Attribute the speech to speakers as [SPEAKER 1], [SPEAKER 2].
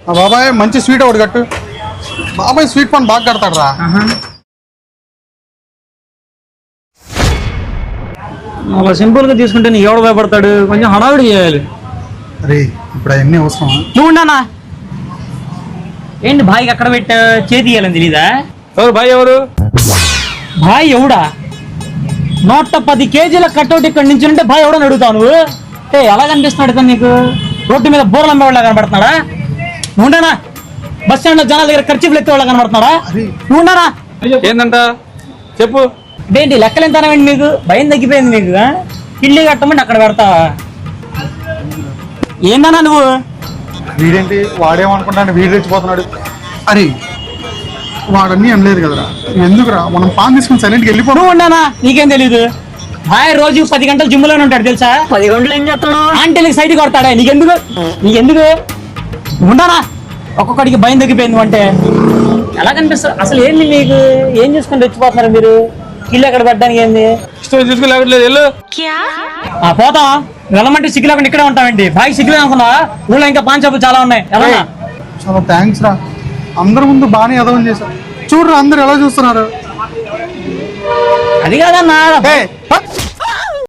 [SPEAKER 1] బాబాయ్ మంచి స్వీట్ ఒకటి కట్టు. బాబాయ్ స్వీట్ పాన్ బాగా కడతాడు రా.
[SPEAKER 2] అలా సింపుల్ గా తీసుకుంటే నీ ఎవడు భయపడతాడు, కొంచెం హడావిడి చేయాలి.
[SPEAKER 1] అరే ఇప్పుడు అవన్నీ అవసరమా?
[SPEAKER 2] నువ్వు ఉన్నానా ఏంటి భాయికి అక్కడ పెట్టా చేతి ఇయ్యాలని తెలీదా?
[SPEAKER 3] ఎవరు భాయ్ ఎవరు?
[SPEAKER 2] భాయ్ ఎవడా? 110 కేజీల కట్అవుట్ ఇక్కడ నుంచి ఉంటే భాయ్ ఎవడని అడుగుతావు నువ్వు? ఎలా కనిపిస్తున్నాడు ఇతను నీకు? రోడ్డు మీద బోర్లు అమ్మేవాళ్ళ కనబడుతున్నాడా? నువ్వుండానా? బస్ స్టాండ్ లో జనాల దగ్గర ఖర్చు ఎత్తే వాళ్ళ కనబడుతున్నాడా? నువ్వుండానా?
[SPEAKER 3] ఏందంట చెప్పు.
[SPEAKER 2] ఏంటి లెక్కలు ఎంతనండి మీకు? భయం తగ్గిపోయింది మీకు? ఇల్లు కట్టమంటే అక్కడ పెడతావా? ఏందన్నా నువ్వు?
[SPEAKER 1] వీడేంటి వాడేమనుకుంటాను వీడు రెచ్చిపోతున్నాడు. అరే వాడన్నీ అనలేదు కదరా, ఎందుకురా మనం పాన్ తీసుకుని సైలెంట్కి వెళ్ళిపో.
[SPEAKER 2] నువ్వు ఉండానా? నీకేం తెలీదు. భాయ్ రోజు 10 గంటలు జిమ్ లోనే ఉంటాడు తెలుసా? 10 గంటలు ఏం చేస్తాడు? ఆంటీలకి సైడ్ కొడతాడా? నీకెందుకు ఉండానా? ఒక్కొక్కడికి భయం తగ్గిపోయింది అంటే ఎలా కనిపిస్తుంది అసలు? ఏంది మీకు? ఏం చేసుకుని రెచ్చిపోతున్నారు మీరు? ఇల్లు ఎక్కడ పెట్టడానికి ఏంది?
[SPEAKER 3] ఇష్టం చూసుకోలేకట్లేదు వెళ్ళు.
[SPEAKER 2] పోతాం వెళ్ళమంటే సిగ్గు లేకుండా ఇక్కడే ఉంటామండి. బాగా సిగ్గులే అనుకున్నా? ఊళ్ళో ఇంకా పాన్ షాపులు చాలా ఉన్నాయి. ఎలా?
[SPEAKER 1] చాలా థ్యాంక్స్ రా, అందరి ముందు బాగానే ఎదవని చేశారు. చూడరా అందరు ఎలా చూస్తున్నారు.
[SPEAKER 2] అది కాదన్నా